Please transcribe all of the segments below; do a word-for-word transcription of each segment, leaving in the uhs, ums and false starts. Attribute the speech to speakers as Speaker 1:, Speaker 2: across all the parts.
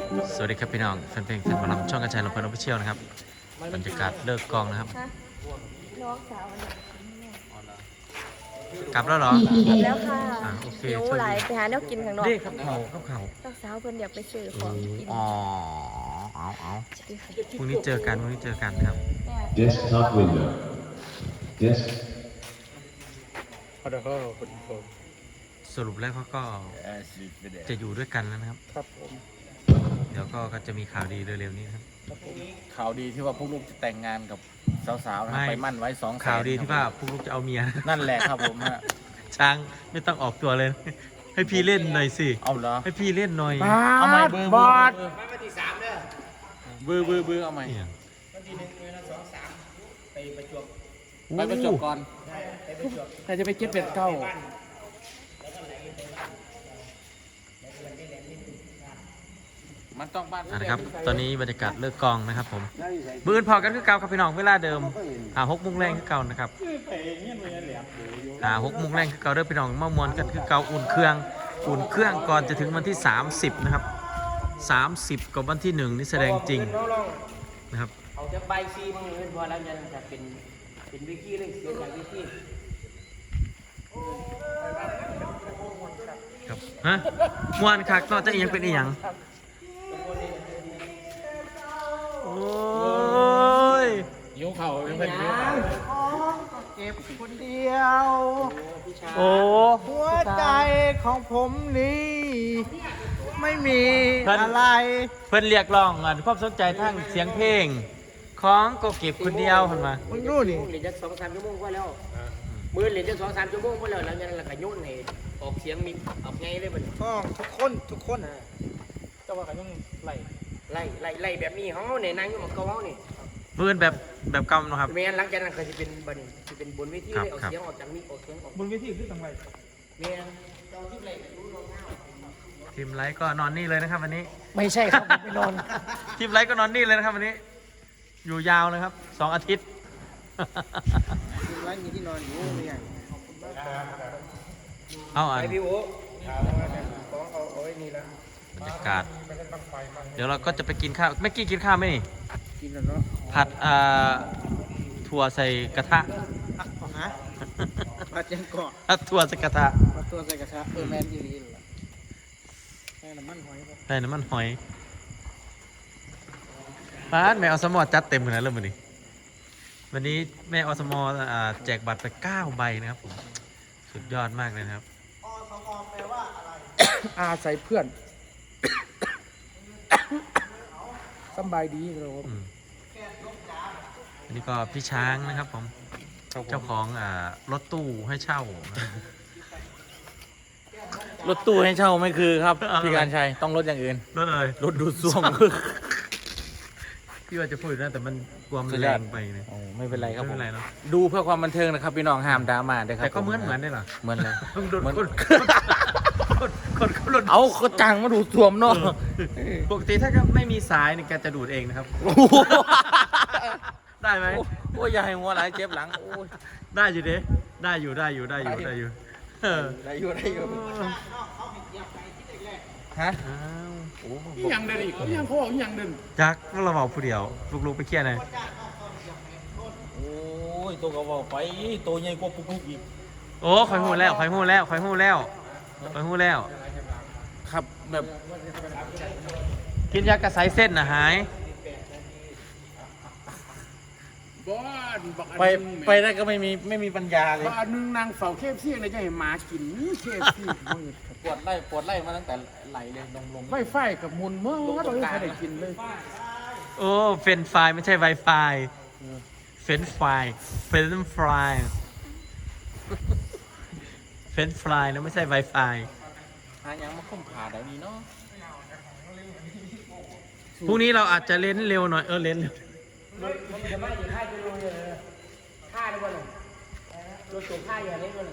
Speaker 1: สวัสดีครับพี่น้องแฟนเพลงแฟนหมอลำช่องกระจายลำเพลินออฟฟิเชียลนะครับบรรยากาศเลิกกองนะครับ
Speaker 2: น้องสาว
Speaker 1: กลับแล้วเหรอ
Speaker 2: แล้วค่ะ
Speaker 1: อ่าโอเค
Speaker 2: หิวหลายไปหาแนวกินข้างนอก
Speaker 1: เด็กครับเขาครับเขา
Speaker 2: น้องสาวเพิ่นอยากไปซื้อของกิน
Speaker 1: อ๋อเอาเอาพรุ่งนี้เจอกันพรุ่งนี้เจอกันครับ
Speaker 3: Desktop window. Desk.
Speaker 1: สรุปแล้วเขาก็จะอยู่ด้วยกันแล้วนะครับ
Speaker 4: ครับผม
Speaker 1: เดี๋ยวก็จะมีข่าวดีเร็วๆนี้นะครับ
Speaker 4: ข่าวดีที่ว่าพวกลูกจะแต่งงานกับสาวๆนะไปมั่นไว้สองแสน
Speaker 1: ข่าวดีที่ว่าพวกลูกจะเอาเมีย
Speaker 4: นั่นแหละครับผมฮะ
Speaker 1: ช้างไม่ต้องออกตัวเลย ให้พี่เล่นหน่อยสิ
Speaker 4: เอาเหรอ
Speaker 1: ให้พี่เล่นหน่อย
Speaker 4: เอาใหม่เบอร์เบอร์เบอร์เบอร์เบอร์เอาใหม่
Speaker 1: เนี่ย
Speaker 4: ไปประจวบก่อนแต่จะไปเก็บเป็ดเก้ามันต้องบ้าน
Speaker 1: อ่ะนะครับ ตอนนี้บรรยากาศเลิกกองนะครับผมบื้นพอกันคือเก่าครับพี่น้องเวลาเดิมอ่าหกโมงแรงคือเก่านะครับอ่าหกโมงแรงคือเก่าเด้อพี่น้องมามวนกันคือเก่าอุ่นเครื่องอุ่นเครื่องก่อนจะถึงวันที่สามสิบนะครับสามสิบกับวันที่หนึ่งนี่แสดงจริงนะครับ
Speaker 5: เอาจะใบซีมือพอแล้วจะจะเป็นเป็นวิกี้เลยเสียจากวิกี้
Speaker 1: ครับฮะมวนคักนอกจากอีหยังเป็นอีหยังโอ้ย
Speaker 4: ยิ้วเข่าเป็นยิ้วเข่า
Speaker 5: เก็บคนเดียว
Speaker 1: โอ้
Speaker 5: หัวใจของผมนี่ไม่มีอะไร
Speaker 1: เพื่อนเรียกร้องอ่ะความสนใจทางเสียงเพลงของก็เก็บคนเดียวเห็นไหม
Speaker 5: มึงรู้ดิเหรียญจะสองสามชั่วโมงก็แล้วมือเหรียญจะสองสามชั่วโมงก็แล้วแล้วยังละกะยุ่นให้ออกเสียงมีออกไงเลยมัน
Speaker 4: ก็ทุกคนทุกคนจะว่ากันต้องไหล
Speaker 5: ไล่ไล่ไล่แบบนี้เขาเนี่ยนางอยู่หมดเกาเขาเนี่ย
Speaker 1: เพื่อนแบบแบบเก่าเนาะครับ
Speaker 5: เมียนหลังจากนั้นเขาจะเป็นบันจะเป็นบนเวทีเลยเอา
Speaker 1: ครับ
Speaker 5: เสียงออกจากมิกออกเสียงออก
Speaker 4: บนเวทีคือทางไหล
Speaker 5: เมียนเราที่ไรรู้ลงหน้า
Speaker 1: ทีมไลท์ก็นอนนี่เลยนะครับวันนี้
Speaker 5: ไม่ใช่ครับผมไปนอน
Speaker 1: ทีมไลท์ก็นอนนี่เลยนะครับวันนี้ อยู่ยาวนะครับสองอาทิตย์
Speaker 5: ร้านมีที่นอนอยู่ไม่ใหญ่
Speaker 1: เอาอ่ะ
Speaker 5: ไอพี่โอ๊ของเอาเอาไว้นี่ละ
Speaker 1: บรรยากาศ เดี๋ยวเราก็จะไปกินข้าวไม่กี้กินข้าวไหมนี่
Speaker 5: กินแล้วเนาะ
Speaker 1: ผัดอ่าถั่วใส่กระทะ
Speaker 5: ฮะผัดยังเกาะ
Speaker 1: ผัดถั่วใส่กระทะ
Speaker 5: ผัดตัวใส่กระทะเออแมนอีลีล่ะแม่น้ำมันหอยป่ะ
Speaker 1: ใส่น้ำมันหอยป้าดแม่อสมอจัดเต็มขนาดเลยวันนี้วันนี้แม่อสมอ่าแจกบัตรไปเก้าใบนะครับผมสุดยอดมากเลยนะครับ
Speaker 5: อาใส่เพื่อนสบายดีครับผม
Speaker 1: อืมอันนี้ก็พี่ช้างนะครับผม เจ้าของอ่ารถตู้ให้เช่านะ
Speaker 4: รถตู้ให้เช่าไม่คือครับ
Speaker 1: เอาอะไร
Speaker 4: พี่การชัยต้องรถอย่างอื่น
Speaker 1: รถอะไร
Speaker 4: รถดูดซ่วม
Speaker 1: พี่ว่าจะพูดนะแต่มันกลัวมัน
Speaker 4: สุดย
Speaker 1: แร
Speaker 4: อด
Speaker 1: งไปเนี่ย
Speaker 4: โอ้ไม่เป็นไรครับ
Speaker 1: ไม่
Speaker 4: ผ
Speaker 1: เป็
Speaker 4: ม
Speaker 1: นไรเนาะ
Speaker 4: ดูเพื่อความบันเทิงนะครับพี่น้องห้ามดราม่าด้วยครับ
Speaker 1: แต่ก็เหมือน
Speaker 4: ผ
Speaker 1: เหมือนได้เหรอ
Speaker 4: เหมือนเลย
Speaker 1: ต้องโดน
Speaker 4: เหมือน
Speaker 1: คนคนคนเขาหลุด
Speaker 4: เอาเขาจังมาดูดซ่วมเนาะ
Speaker 1: ปกติถ้าไม่มีสายเนี่ยแกจะดูดเองนะครับ ได้ไหม
Speaker 4: โอ้ยอย่าให้หัวไหลายเจ็บหลังโอ้ย
Speaker 1: ได้อยู่เด้ได้อยู่ได้อยู่ได้อยู่ได้อยู่เออ
Speaker 4: ได้อยู่ได้อยู่ฮะ
Speaker 1: อ้าวโอ้โห
Speaker 6: ยังเดินอีกยังเขาบอกยังเดิน
Speaker 1: จักเราบอกผู้เดียวลูกๆไปเคลียร์หน่อย
Speaker 4: โอ้ยตัวก็บอกไปตัวใหญ่กว่าปุ๊กปุ๊กอีก
Speaker 1: โอ้คอยหูแล้วคอยหูแล้วคอยหูแล้วคอยหูแล้ว
Speaker 4: ครับแบบ
Speaker 1: กินยากระสายเส้นนะหาย
Speaker 6: บ้านบอกอัน
Speaker 4: ไป
Speaker 6: หนึ่ง
Speaker 4: ไปได้ก็ไม่มีไม่มีปัญญาเลย
Speaker 6: บอกอันหนึงนางเฝ้าเคฟซี่เลยจะให้หมากินเคฟซี่
Speaker 4: ปวดไล่ปวดไล่มาตั้งแต่ไหลเลยลงลง
Speaker 6: ไฟไฟกับมุนเมื่อเราไม่ได้กินเลย
Speaker 1: โอ้เฟรนไฟไม่ใช่ไวไฟเฟรนไฟเฟรนไฟเฟรนไฟนะไม่ใช่ไวไฟ
Speaker 4: หายังมาคุ้มขาได้นี่เนาะ
Speaker 1: พรุ่งนี้เราอาจจะเล่นเร็วหน่อยเออเล่นเร็ว
Speaker 5: จะไม่ถึงค่าจะลงเลยค่าได้บ่หนึ่งรถสูงค่าอย่างนี้บ่หนึ่ง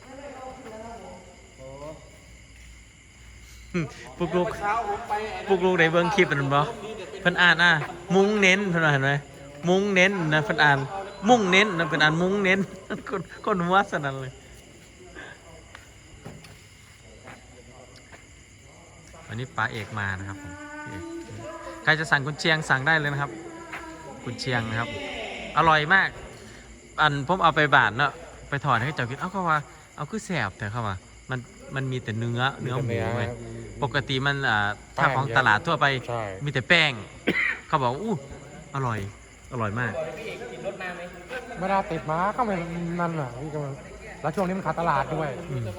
Speaker 1: พวกลูกพวกลูกได้เบิ่งคลิปมันบ่เพิ่นอ่านอ่ะมุ้งเน้นเพิ่นว่าเห็นไหมมุ้งเน้นนะเพิ่นอ่านมุ่งเน้นนะเพิ่นอ่านมุ้งเน้น คนคนหัวสนั่นเลยวันนี้ป้าเอกมานะครับผมพี่เอกใครจะสั่งกุนเชียงสั่งได้เลยนะครับกุนเชียงนะครับ อร่อยมาก อันผมเอาไปบาทเนาะไปถอดให้เจ้ากินเอ้าเขาว่าเอาคือแสบแต่เขาว่ามันมันมีแต่เนื้อเนื้อหมูเว้ยปกติมันอ่าถ้าของตลาดทั่วไปมีแต่แป้ง เขาบอกอู้อร่อยอร่อยมาก
Speaker 7: ไม่ได้ติดมาก็ไม่นั่นน่ะพี่กำลังแล้วช่วงนี้มันขาดตลาดด้วย
Speaker 1: อืม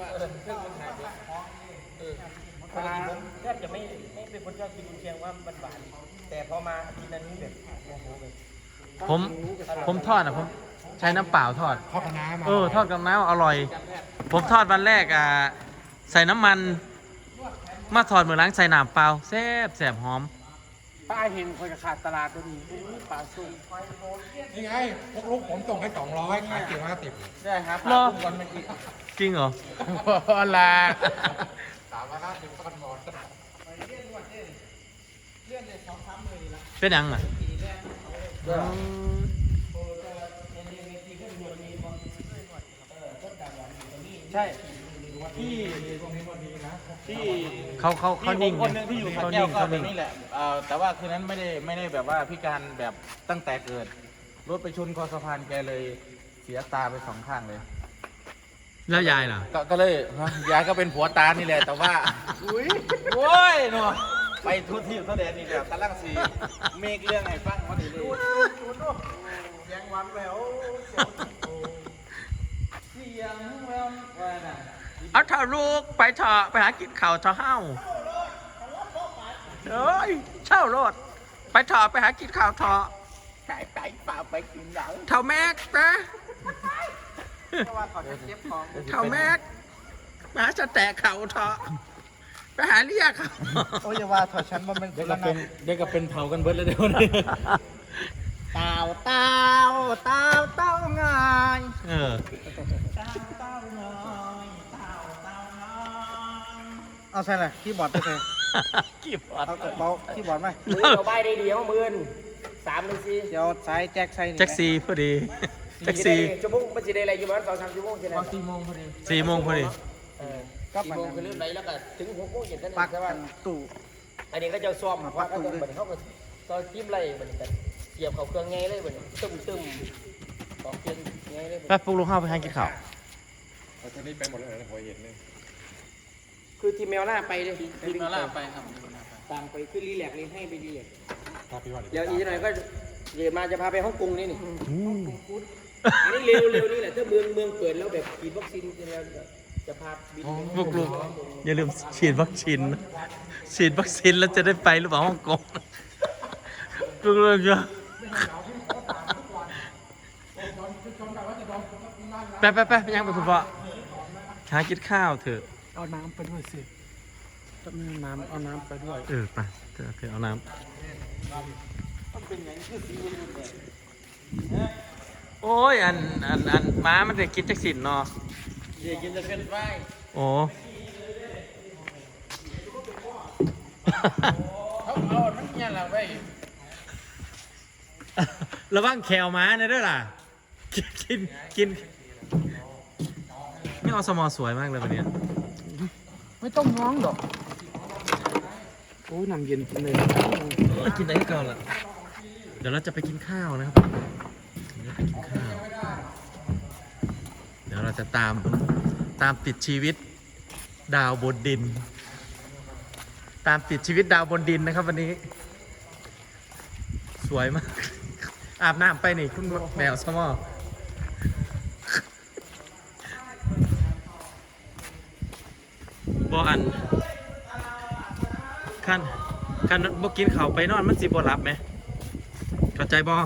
Speaker 5: เวลาแทบจะไม่ไม่เป็นคนชอบกินกุนเชียงว่ามันหวานแต่พอมากินอันนี้แบบโอ้โหแบบ
Speaker 1: ผมผมทอดอ่ะผมใช้น้ำเปล่าทอด
Speaker 7: ทอดกับน้ำ
Speaker 1: เออทอดกับน้ำอร่อย ผมทอดวันแรกอ่ะใส่น้ำมัน มาทอดเหมือนล้างใส่น้ำเปล่าแซ่บแซ่บหอม
Speaker 6: ป้าเห็นคนขาดตลาดตัวนี้ปลาส้ม
Speaker 7: นี่ไงพวกลูกผมส่งให้สองร้อยขายเก็บมาติด
Speaker 5: ได้ครับ
Speaker 1: เหรอ
Speaker 5: วันมันกิน
Speaker 1: จริงเหรอ
Speaker 6: อะไร
Speaker 7: สามร้อยห้าสิบก็มันหมด
Speaker 1: เป็นยังอ่ะ
Speaker 4: ใช่ที่ที่
Speaker 1: เขาเขาเขานิ่ง
Speaker 4: คนหนึงที่อยู่สระ
Speaker 1: เขา
Speaker 4: แก้
Speaker 1: นิ่
Speaker 4: ว
Speaker 1: ง
Speaker 4: ก็
Speaker 1: เขา
Speaker 4: แบบ
Speaker 1: นิ่ง
Speaker 4: นี้แหละเอ่อแต่ว่าคืนนั้นไม่ได้ไม่ได้แบบว่าพิการแบบตั้งแต่เกิด รถไปชนคอสะพานแกเลยเสียตาไปสองข้างเลย
Speaker 1: แล้วยายล่ะ
Speaker 4: ก็ก็เลยฮะยายก็เป็นผัวตานี่แหละ แต่ว่าอุ้ยโว้ยเนาะไปทุกที่ทุกแดนนี่แบบกำลังสีเมฆเรื่องให้ฟังพอดีเลยยังวันแล้วเสียงแววว่าน่ะ
Speaker 1: เอาเถอะลูกไปเถอะไปหากินข้าวเถอะเฮ้าเอ้ยเช่ารถไปเถอะไปหากินข้าวเถอะ
Speaker 4: ไปไปเปล่าไปกินเหล้า
Speaker 1: เท่าแม็กนะ
Speaker 4: เพราะว่าเขาจะเก็บของ
Speaker 1: เท่าแม็กไปหาจะแตกเข่าเถอะไปหาเรียกเขา
Speaker 4: โอ้ยอย่าว่าถอดฉันว่ามัน
Speaker 7: เดี๋ยวก็เป็นเดี๋ยวก็เป็นเผากันเบิดแล้วเดี๋ยวนี้
Speaker 4: เต่าเต่าเต่าเต่าง่าย
Speaker 1: เออ
Speaker 4: เอาใช่เลยคีย์บอร์ดไปเลย
Speaker 1: กี่บอด
Speaker 4: เอากระเป๋าคีย์บอร์ดไหม
Speaker 5: มือเราใบได้ดีของมือนสามหนึ่งสี่
Speaker 4: เดี๋ยวสายแจ็คใส่นี่
Speaker 1: แจ็คซีพอดีแจ็คซี
Speaker 5: ชั่วโมงมันจะได้อะไรอยู่ประมาณสองสามชั่วโมงใช่ไหม
Speaker 4: สี่โมงพอดี
Speaker 1: สี่โมงพอดี
Speaker 5: เออสี่โมงคือเริ่มไหนแล้วก็ถึงหกโมงเย็นนั่น
Speaker 4: ปัก
Speaker 5: ใช่ไหม
Speaker 4: ตู้
Speaker 5: อันนี้ก็จะซ้อมว่าก็จะเหมือนเขาก็ตอนจิ้มไรเหมือนกันเสียบเขาเครื่องไงเลยเหมือนตึมตึมต่อเครื่องไงเลย
Speaker 1: ไปปลุกลูกเข้าไปหากินข้าว
Speaker 7: ตอนนี้ไปหมดแล้วนะพอเห็นเลย
Speaker 5: คือทีมแมวล่าไปเลย
Speaker 4: ทีมมาล่าไปครับ
Speaker 5: ต่างไปขึ้นรีแลกเลยให้ไปรีแลก
Speaker 7: พาพี่ว่า
Speaker 5: เดี๋ยวอีกหน่อยก็เดี๋ยวมาจะพาไปฮ่องกงนี่นี่อันนี้เร็วเร็วนี่แหละถ้าเมืองเมืองเปิดแล้วแบบฉีดวัคซีนจะพาบินไป
Speaker 1: ปลุกลูกอย่าลืมฉีดวัคซีนนะฉีดวัคซีนแล้วจะได้ไปหรือเปล่าฮ่องกงปลุกลูกเยอะไปไปไปยังไปคุณพ่อหากินข้าวเถอะ
Speaker 6: เอาน้ำไปด้วยสิต้องมีน้ำเอาน้ำไปด้วย
Speaker 1: เออไปเถอะเถอะเอาน้ำโอ้ยอันอันอันม้ามันจะกินจักสินเนาะ
Speaker 4: เดี๋ยวกินจะเป็นไฟ
Speaker 1: โอ้
Speaker 4: เขาเอาทั้งยันละไว้
Speaker 1: ระวังแขวม้านะด้วยล่ะ กินกินกินนี่อสมอสวยมากเลยวันเนี้ย
Speaker 6: ไม่ต้องน้องหรอกโอ้ยน้ำเย็นกินเลย
Speaker 1: เออกินได้ก่อนละเดี๋ยวเราจะไปกินข้าวนะครับเดี๋ยวไปกินข้าว เดี๋ยวเราจะตามตามติดชีวิตดาวบนดิน ตามติดชีวิตดาวบนดินนะครับวันนี้ สวยมาก อาบน้ำไปนี่คุณแมวสมอบออันขั้นขั้นบ่กินข้าวไปนอนมันสิบ่หลับไหมเข้าใจบอ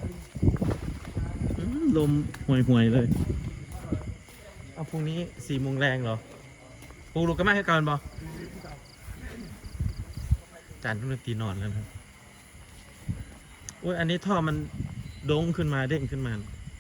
Speaker 1: มลมห่วยห่วยๆเลยเอาพรุ่งนี้สี่โมงแรงเหรอปลูกลูกก็ไม่ให้การบอจานทุกนาทีนอนแล้วครับโอ้ยอันนี้ท่อมันโด่งขึ้นมาเด้งขึ้นมา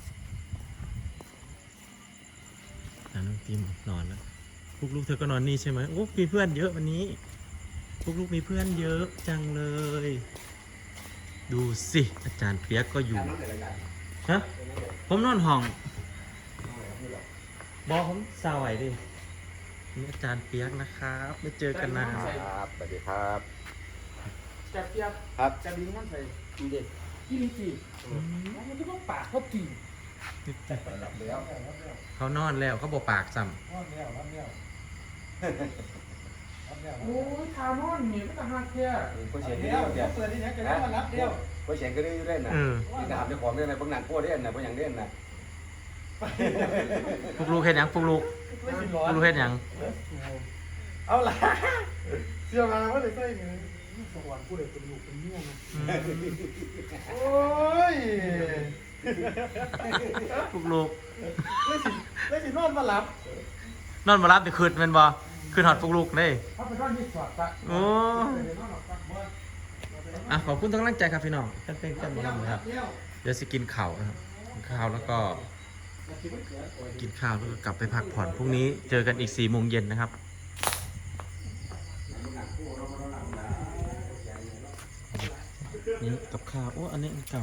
Speaker 1: จานทุกนาทีนอนแล้วลูกๆเธอก็นอนนี่ใช่ไหมโอ้มีเพื่อนเยอะวันนี้ลูกๆมีเพื่อนเยอะจังเลย ดูสิอาจารย์เปียกก็อยู่ฮะผมนอนห้องบอกผมสาวไหวดินี่อาจารย์เปียกนะครับไม่เจอกันนาน
Speaker 7: ครับสวัสดีครับ
Speaker 6: แต่เปียก
Speaker 4: ครับ
Speaker 6: จะบินมันใส่
Speaker 5: ดีเด็ด
Speaker 6: ยี่ลิตีมันจะต้องปากเขาตี
Speaker 1: เขานอนแล้วเขาบอกปากซ้
Speaker 6: โอ้ยทานอนเนี่ยก็จะหักแค่
Speaker 4: ก็เสียงก็ได้เดี๋ยว
Speaker 6: เปิดที่ไหนจะได้มารับเดียว
Speaker 4: ก็เสียงก็ได้เล่น
Speaker 1: ำ
Speaker 4: นะ
Speaker 1: เออ
Speaker 4: นี่ถามเจ้าของเล่นนะบางหนังพวกเล่นนะบางอย่างเล่นนะ
Speaker 1: พวกลูกเฮ็ดหยังพวกลูกพวกลูกเฮ็ดหยัง
Speaker 6: เอาล่ะเชื่อมาว่าเลยใส่เงินสวรรค์กูเลยเป็นลูกเป็นเมียนะ
Speaker 1: อืม
Speaker 6: โอ้ย
Speaker 1: พวกลูก
Speaker 6: ไม่สิไม่สินอนมาหลับ
Speaker 1: นอนมารับไปคืนแมันบ่คืนหอดพวกลูกเลย
Speaker 6: เขาไปนอนที่สอดตะ
Speaker 1: โอ้อ่ะขอบคุณทั้งกำลังใจครับพี่น้องกันเป็นกันหมดแล้วครับ เดี๋ยวสิกินข้าวนะครับกินข้าวแล้วก็ กินข้าวแล้วก็กลับไปพักผ่อนพรุ่งนี้เจอกันอีกสี่โมงเย็นนะครับนี่กับข้าวโอ้อันนี้อันเก่า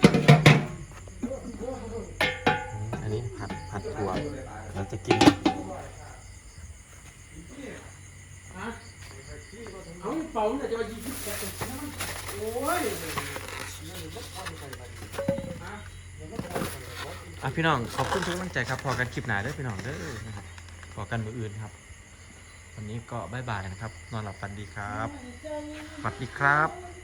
Speaker 1: อันนี้ผัดผัดถั่วเราจะกิน
Speaker 6: เอาเป่าเนี่ยจะมายิงที่แกโอ้ย
Speaker 1: อ่ะพี่น้องขอบคุณทุกกำลังใจครับพอกันคลิปหนาเด้อพี่น้องเด้อนะครับพอกันมืออื่นครับ วันนี้ก็บ๊ายบายนะครับ นอนหลับฝันดีครับสวัสดีครับ